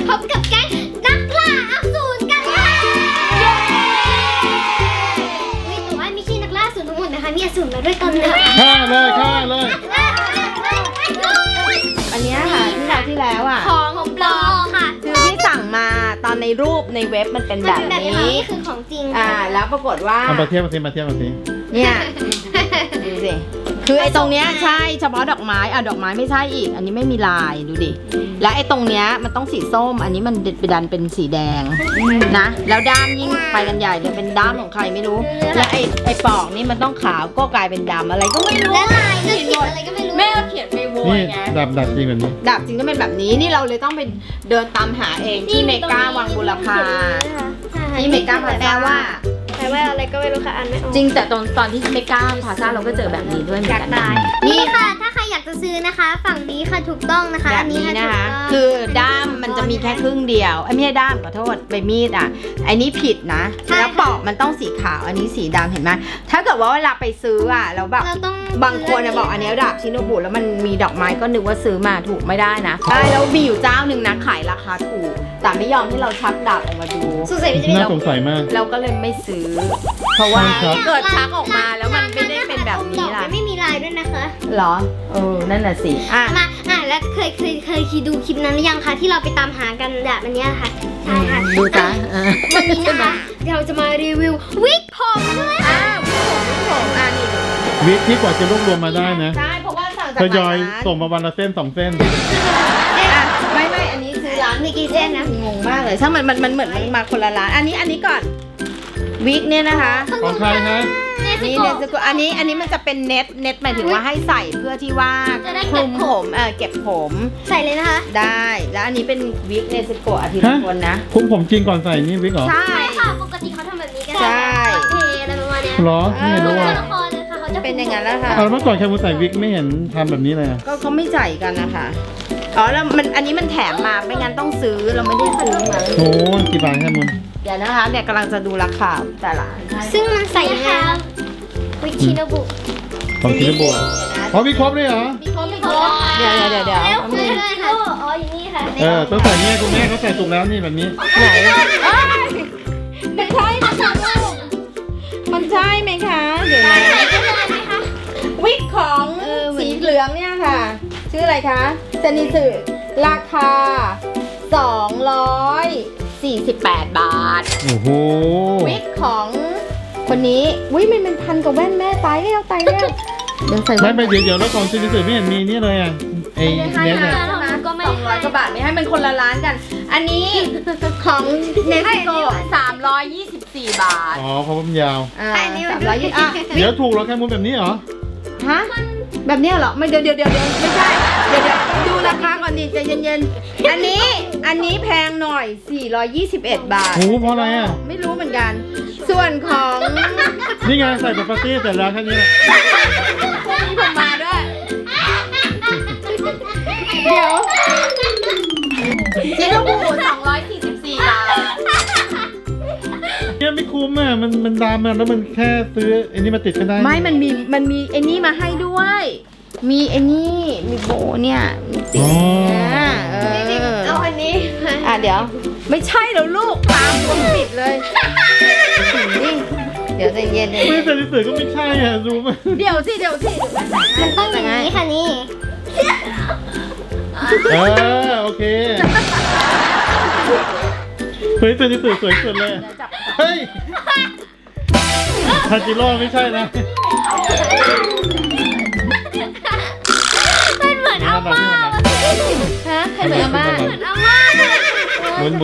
พบกับแก๊งนักล่าอสูรกันค่ะแต่ว่าไม่ใช่นักล่าอสูรทั้งหมดนะคะมีอสูรมาด้วยตอนหนึ่งฆ่าเลยอันเนี้ยค่ะที่แล้วอ่ะของปลอมค่ะคือที่สั่งมาตอนในรูปในเว็บมันเป็นแบบนี้นี่คือของจริงแล้วปรากฏว่าเอามาเทียบมาสิเนี่ยดูสิคือไอ้ตรงเนี้ยใช่เฉพาะดอกไม้ดอกไม้ไม่ใช่อีก อันนี้ไม่มีลายดูดิแล้วไอ้ตรงเนี้ยมันต้องสีส้มอันนี้มันดันเป็นสีแดงนะแล้วด้ามยิ่งไปกันใหญ่เลยเป็นด้ามของใครไม่รู้แล้วไอ้ปอกนี่มันต้องขาวก็กลายเป็นดำอะไรก็ไม่รู้และลายก็เขียนอะไรก็ไม่รู้แม่ก็เขียนไปโวยนี่ไงดับจริงแบบนี้ดาบจริงก็เป็นแบบนี้นี่เราเลยต้องไปเดินตามหาเองที่เมกาวังบุรพาที่เมกาพาซ่าว่าแปลว่าอะไรก็ไม่รู้ค่ะอ่านไม่ออกจริงแต่ตอนที่เมกาพาซ่าเราก็เจอแบบนี้ด้วยเหมือนกันนี่ค่ะถ้าใครอยากจะซื้อนะคะ ฝั่งนี้ค่ะถูกต้องนะคะแบบนี้นะคะถูกต้องคือด้ามมันจะมีแค่ครึ่งเดียวไม่ใช่ด้ามขอโทษใบมีดอันนี้ผิดนะแล้วปอกมันต้องสีขาวอันนี้สีดำเห็นไหมถ้าเกิดว่าเวลาไปซื้อแล้วแบบเราต้องบางคนบอกอันนี้ดาบชิโนบุแล้วมันมีดอกไม้ก็นึกว่าซื้อมาถูกไม่ได้นะใช่แล้วมีอยู่เจ้าหนึ่งนะขายราคาถูกแต่ไม่ยอมให้เราชักดาบออกมาดูสงสัยมันจะน่าสงสัยมากเราก็เลยไม่ซื้อ เพราะว่าใช่ครับเกิดชักออกมาแล้วมันไม่ได้เป็นแบบนี้ล่ะมันไม่มีลายด้วยนะคะเหรอนั่นน่ะสิแล้วเคยดูคลิปนั้นหรือยังคะที่เราไปตามหากันแบบอันเนี้ยค่ะใช่ค่ะดูจ้ะวันนี้นะคะเราจะมารีวิววิกผมด้วยค่ะนี่วิกที่กว่าจะรวบรวมมาได้นะใช่เพราะว่าสั่งจากทยอยร้านส่งมาวันละเส้น 2 เส้นไม่อันนี้ซื้อร้านมีกี่เส้นนะงงมากเลยช่างมันเหมือนมันมาคนละร้านอันนี้ก่อนวิกเนี่ยนะคะของใครฮะนี่เนสโกอันนี้มันจะเป็นเน็ตหมายถึงว่าให้ใส่เพื่อที่ว่าคลุมผมเก็บผมใส่เลยนะคะได้แล้วอันนี้เป็นวิกเนสโกอาทิตย์ละคนนะคุ้มผมจริงก่อนใส่นี่วิกเหรอใช่ใช่ค่ะปกติเขาทำแบบนี้กันใช่เทอะไรประมาณเนี้ยเหรอไม่รู้ตัวอ่ะละครเลยค่ะเขาจะเป็นอย่างนั้นแล้วค่ะเอาแล้วเมื่อก่อนแคมูใส่วิกไม่เห็นทำแบบนี้เลยอะก็เขาไม่ใส่กันนะคะแล้วอันนี้มันแถมมาไม่งั้นต้องซื้อเราไม่ได้ซื้อมาโอ้กี่บาทแคมูเดี๋ยวนะคะเนี่ยกำลังจะดูราคาแต่ละซึ่งมันใส่ยังไงคะวิกชิโนบุของชินบุอ๋อมีครบเลยเหรอมีครบเดี๋ยวแล้วคือด้วยค่ะอ๋ออย่างนี้ค่ะต้องใส่เนี่ยคุณแม่เขาใส่ถูกแล้วนี่แบบนี้ไหนมันใช่มันใช่ไหมคะเดี๋ยวนะวิกของสีเหลืองเนี่ยค่ะ ชื่ออะไรคะเซนิสึราคา248 บาทโอ้โหวิกของคนนี้มันเป็นพันกับแว่นแม่ตายแล้วเดี๋ยวใส่ไม่เดี๋ยวแล้วของชินบุไม่เห็นมีนี่เลยอ่ะไอ้เน็ตเนี่ยก็ไม่ 200 กว่าบาทไม่ให้มันคนละร้านกัน อันนี้ของเนสโก324 บาทอ๋อเพราะว่ามันยาว 320 เดี๋ยวถูกแล้วแคมูแบบนี้เหรอฮะแบบเนี้ยเหรอไม่เดี๋ยวไม่ใช่เดี๋ยวดูราคาก่อนดิใจเย็นๆอันนี้แพงหน่อย421 บาทโอ้เพราะอะไรอ่ะไม่รู้เหมือนกัน ส่วนของนี่ไงใส่แบบปาร์ตี้เสร็จแล้วแค่นี้แหละมีผมมาด้วยเดี๋ยวจิโนบุ244 บาทเนี่ยไม่คุ้มอ่ะมันดำอ่ะแล้วมันแค่ซื้อไอ้นี่มาติดก็ได้ไม่มันมีไอ้นี่มาให้ด้วย มีไอ้นี่มีโบเนี่ยมีติดเอาอันนี้เดี๋ยวไม่ใช่แล้วลูกตามคนปิดเลยนี่เดี๋ยวใจเย็นไม่ใส่สื่อก็ไม่ใช่อ่ะรู้ไหมเดี๋ยวสิมันต้องอย่างนี้ค่ะนี่โอเคเฮ้ยเป็นสื่อสวยสุดเลยเฮ้ยทาจิโร่ไม่ใช่นะมันเหมือนอาม่าฮะใครเหมือนอาม่าเหมือนอาม่าหมุน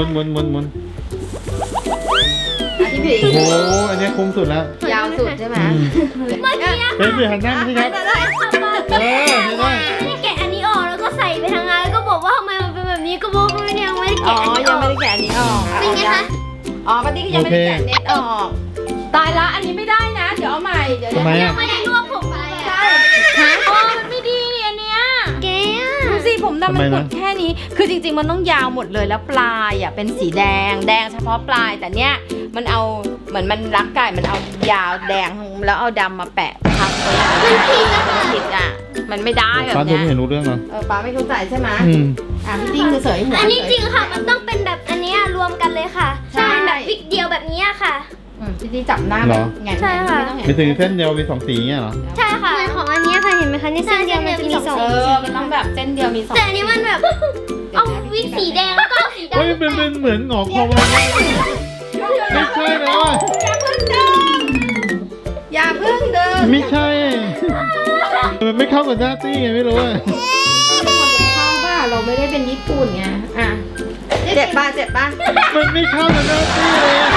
พี่ผีโอ้โหอันนี้คุ้มสุดแล้วยาวสุดใช่ไหมเมื่อกี้เป็นสื่อหันหน้าไม่ใช่ครับ ใช่ได้นี่แกะอันนี้ออกแล้วก็ใส่ไปทางงานแล้วก็บอกว่าทำไมมันเป็นแบบนี้ก็บอกว่ายังไม่ได้อ๋อแกะอันนี้อยังอกไม่ได้แกะอันนี้ออกเป็นไงคะปาร์ตี้ก็ยังไม่ได้แกะเน็ตออกตายละอันนี้ไม่ได้นะเดี๋ยวเอาใหม่เดี๋ยวทำไมอ่ะไม่ได้รวบผมไปใช่ฮะมันไม่ดีนี่อันเนี้ยแกดูสิผมดำมันหมดแค่นี้ คือจริงๆมันต้องยาวหมดเลยแล้วปลายเป็นสีแดงเฉพาะปลายแต่เนี้ยมันเอาเหมือนมันรักไก่มันเอายาวแดงทั้งแล้วเอาดำมาแปะทับไว้อย่างนี้มันผิดอ่ะมันไม่ได้แบบป้าดูเนี้ยไม่เห็นรู้เรื่องเหรอป้าไม่เข้าใจใช่ไหมอืมพี่ติ้งคือเสยหัวอันนี้จริงค่ะ มันต้องเป็นแบบอันเนี้ยรวมกันเลยค่ะใช่เป็นแบบวิกเดียวแบบเนี้ยค่ะพี่ติ้งจับหน้าเหรอไงใช่ค่ะไม่ต้องเห็นไม่ถึงเส้นเดียวมีสองสีเงี้ยเหรอใช่ค่ะเหมือนของอันเนี้ยค่ะเห็นไหมคะนี่เส้นเดียวมันจะมีสองมันต้องแบบเส้นเดียวมีสองแต่อันนี้มันแบบเอาวิกสีแดงแล้วก็เอาสีดำเฮ้ยเป็นเหมือนหงอกคอวาไม่ใช่แล้วอะอย่าเพิ่งเดินไม่ใช่มันไม่เข้ากับหน้าตี้ไงไม่รู้อะเข้าป่ะเราไม่ได้เป็นญี่ปุ่นไงอ่ะเจ็บป่ะมันไม่เข้ากับหน้าตี้เลยอะ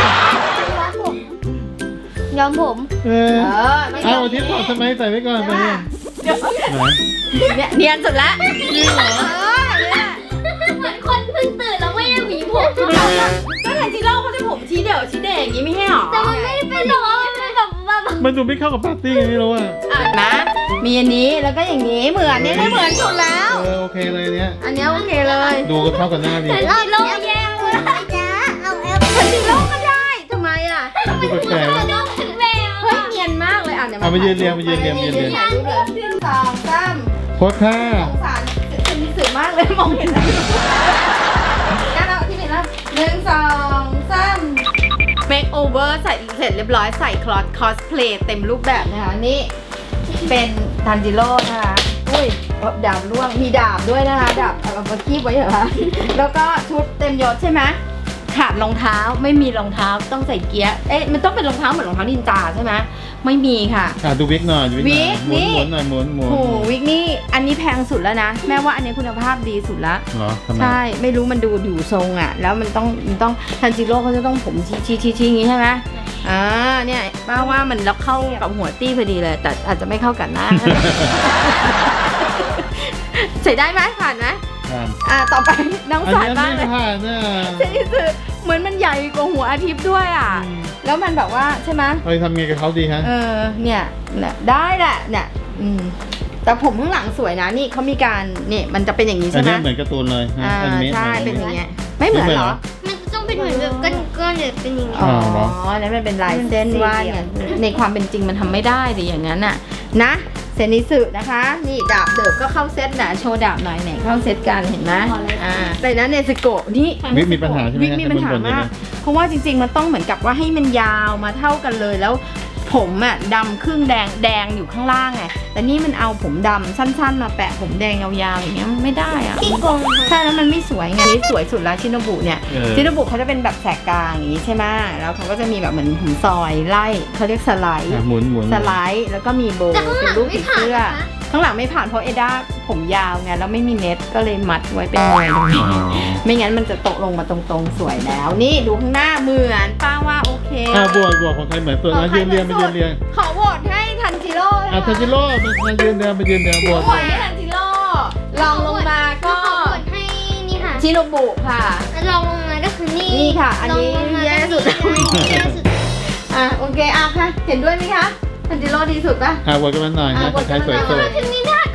ย้อมผมเออไม่เอาอาทิตย์ก่อนทำไมใส่ไว้ก่อนไปเนี่ยไหนเนี่ยเนียนสุดละจริงเหรอเหมือนคนเพิ่งตื่นแล้วไม่ได้หวีผมก็ทันจิโร่เขาจะผมชี้เดี่ยวชี้เด่อย่างนี้ไม่ให้หรอแต่มันไม่ได้เป็นหรอกมันเป็นแบบมันดูไม่เข้ากับปาร์ตี้ไงไม่รู้อะนะมีอันนี้แล้วก็อย่างนี้เหมือนเนี่ยเหมือนสุดแล้วโอเคเลยเนี้ยอันนี้โอเคเลยดูก็เข้ากับหน้าดีแต่เราโลกแย่เลยจ้าเอาแอปทันจิโร่ก็ได้ทำไมอ่ะดูแปลกๆโลนะกถึงแววเฮ้ยเนียนมากเลยอ่ะเดี๋ยวเอามายืนเรียงมายืนเรียงมายืนเรียงถ่ายรูปเลย1 2 3 โคตรท่าสงสารเป็นมิสึมากเลยมองเห็นแล้วงั้นเราที่เป็นแล้ว1 2 3 make over ใส่เสร็จเรียบร้อยใส่คอสเพลย์เต็มรูปแบบนะคะนี่เป็นทันจิโร่นะคะอุ้ยดาบร่วงมีดาบด้วยนะคะดาบเอามาคีบไว้เหรอคะแล้วก็ชุดเต็มยศใช่ไหมขาดรองเท้าไม่มีรองเท้าต้องใส่เกียร์มันต้องเป็นรองเท้าเหมือนรองเท้านินจาใช่ไหมไม่มีค่ะดูวิกหน่อยดูวิกหน่อยวิกนี่หมุนหน่อยหมุนโอ้โหวิกนี่อันนี้แพงสุดแล้วนะแม่ว่าอันนี้คุณภาพดีสุดละเหรอทำไมใช่ไม่รู้มันดูอยู่ทรงอ่ะ แล้วมันต้องทันจิโร่เขาจะต้องผมชี้อย่างงี้ใช่ไหมเนี่ยป้าว่ามันแล้วเข้ากับหัวตี้พอดีเลย แต่อาจจะไม่เข้ากับหน้า ใส่ได้ไหมผ่านไหม ต่อไปน้องอันสายนี้บ้างไม่เลยผ่านน่ะเซนิสึเหมือนมันใหญ่กว่าหัวอาทิตย์ด้วยอ่ะ แล้วมันแบบว่าใช่ไหมเราจะทำไงกับเขาดีฮะเนี่ยได้แหละเนี่ยแต่ผมข้างหลังสวยนะนี่เขามีการนี่มันจะเป็นอย่างนี้อัใช่นไหมนี้เหมือนการ์ตูนเลยนะอนิเมะใช่เป็นอย่างเงี้ยไม่เหมือนเหรอมันจะต้องเป็นเหมือนแบบก้อนๆหรือเป็นอย่างนี้อ๋อเหรอแล้วมันเป็นลายเส้นว่าเนี่ยในความเป็นจริงมันทำไม่ได้ดิอย่างนั้นน่ะนะเซนิสึนะคะ นี่ดาบเดิบก็เข้าเซตนะโชว์ดาบหน่อยไหนเข้าเซตกันเห็นไหมแต่นั้นเนสโกะนี่วิกมีปัญหาใช่ไหมวิกมีปัญหามาก เพราะว่าจริงๆมันต้องเหมือนกับว่าให้มันยาวมาเท่ากันเลยแล้ว ผมอะดำครึ่งแดงอยู่ข้างล่างไงแต่นี่มันเอาผมดำสั้นๆมาแปะผมแดงยาวๆอย่างเงี้ยมันไม่ได้อะขี้โกงใช่แล้วมันไม่สวยไงนี่สวยสุดแล้วชินโบุเนี่ย ชินโบุเขาจะเป็นแบบแสกกลางอย่างนี้ใช่ไหมแล้วเขาก็จะมีแบบเหมือนผมซอยไล่เขาเรียกสไลด์หมุนหมุนสไลด์แล้วก็มีโบว์แต่ข้างหลัเป็นงรูปไม่ผีผ่านเสื้อนะคะข้างหลังไม่ผ่านเพราะเอด้าผมยาวไงแล้วไม่มีเน็ตก็เลยมัดไว้เป็นหน่วยตรงนี้ไม่งั้นมันจะตกลงมาตรงๆสวยแล้ว นี่ดูข้างหน้าเหมือนป้าว่าโอเคบวกของใครเหมือนตัวนะยืนเรียงมายืนเรียงขอโหวตให้ทันจิโร่เลยค่ะทันจิโร่มายืนเรียงมายืนเรียงบวกโหวตให้ทันจิโร่ลองลงมาก็ขอกดให้นี่ค่ะชิโนบุค่ะลองลงมาก็คือนี่นี่ค่ะอันนี้ลงมาแย่สุดแย่สุดโอเคค่ะเห็นด้วยไหมคะทันจิโร่ดีสุดปะบวกกันมาหน่อยนะใครสวยสุดถึงนี่ได้